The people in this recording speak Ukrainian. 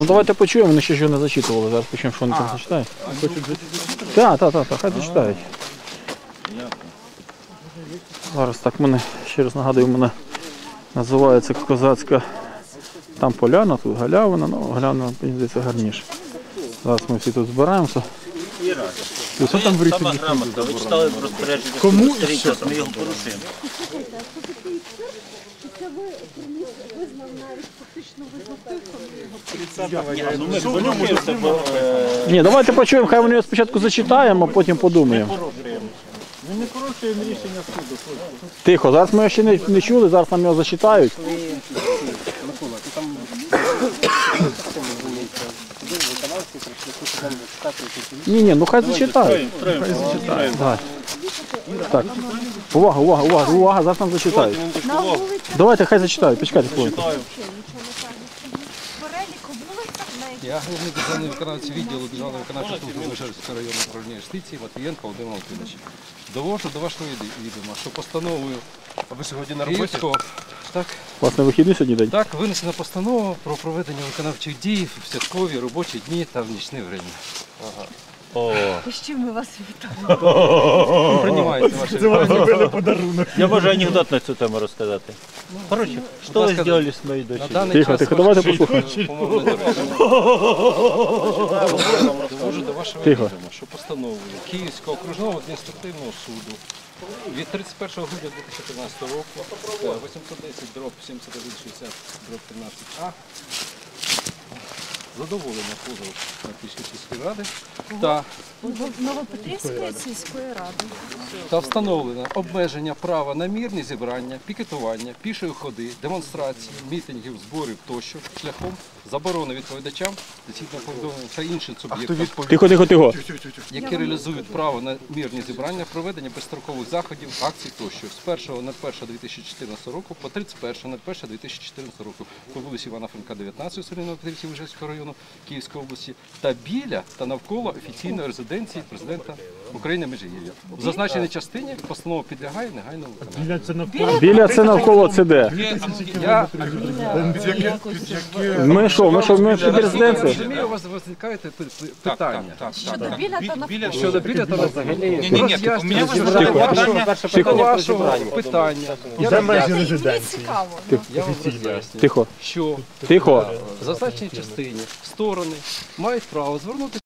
Ну давайте почуємо, вони ще ж не зачитували, зараз почуємо, що вони там зачитають. Так, хай зачитають. Зараз так мене, ще раз нагадую, мене називається козацька там поляна, тут галявина, ну галявина, мені здається, гарніше. Зараз ми всі тут збираємося. І що там в річці? Сама грамота, ви читали розпорядження, кому і що? Ми його порушуємо. Це ви визнав навіть фактично визнав тих, Ні, давайте почуємо, хай вони його спочатку зачитаємо, а потім подумаємо. Ми не порушуємо рішення суду. Тихо, зараз ми його ще не чули, зараз нам його зачитають. Микола, ти там Ні, ну хай зачитають. Давай. Так. Увага, зараз нам зачитають. Давайте, хай зачитають, почекайте хвилинку. Я головний державний виконавець відділу Державної виконавчої служби Вишгородського районного управління юстиції Матвієнко Володимир Володимирович. Довожу до вашого відома, що постановою Київського, так, Власне, вихідний сьогодні день? так, винесена постанова про проведення виконавчих дій в святкові робочі дні та в нічне время. з чим ми вас вітаємо. Приймається ваше Я можу анекдот на цю тему розказати. Коротше, що ви зробили з моєю на дочерю? даний час. Тихо, давайте послухаємо. Довожу до вашого Тихо. відома, що постановою Київського окружного адміністративного суду від 31 грудня 2013 року 810 дроб 7160 дроб 13А задоволення позову Київської сільської ради Новопетрівської сільської ради. та встановлено обмеження права на мирні зібрання, пікетування, пішої ходи, демонстрації, мітингів, зборів тощо шляхом заборони відповідачам, доцільного повідомлення та іншим суб'єктам, Тихо. які реалізують право на мирні зібрання, проведення безстрокових заходів, акцій тощо з 1.01.2014 року по 31.01.2014 року по вулиці Івана Франка, 19 у селі Новопетрівці Вишгородського району Київської області та біля та навколо офіційної резиденції президента України Межигір'я. В зазначеній частині постанова підлягає негайному виконанню. Біля це навколо це де? Я Ми під резиденцією? розумію, у вас виникає питання. Щодо біля та навколо. Щодо біля та взагалі Тихо. вашого питання. Мені цікаво. Я вам роз'яснюю, Тихо. що Тихо. в зазначеній частині сторони мають право звернути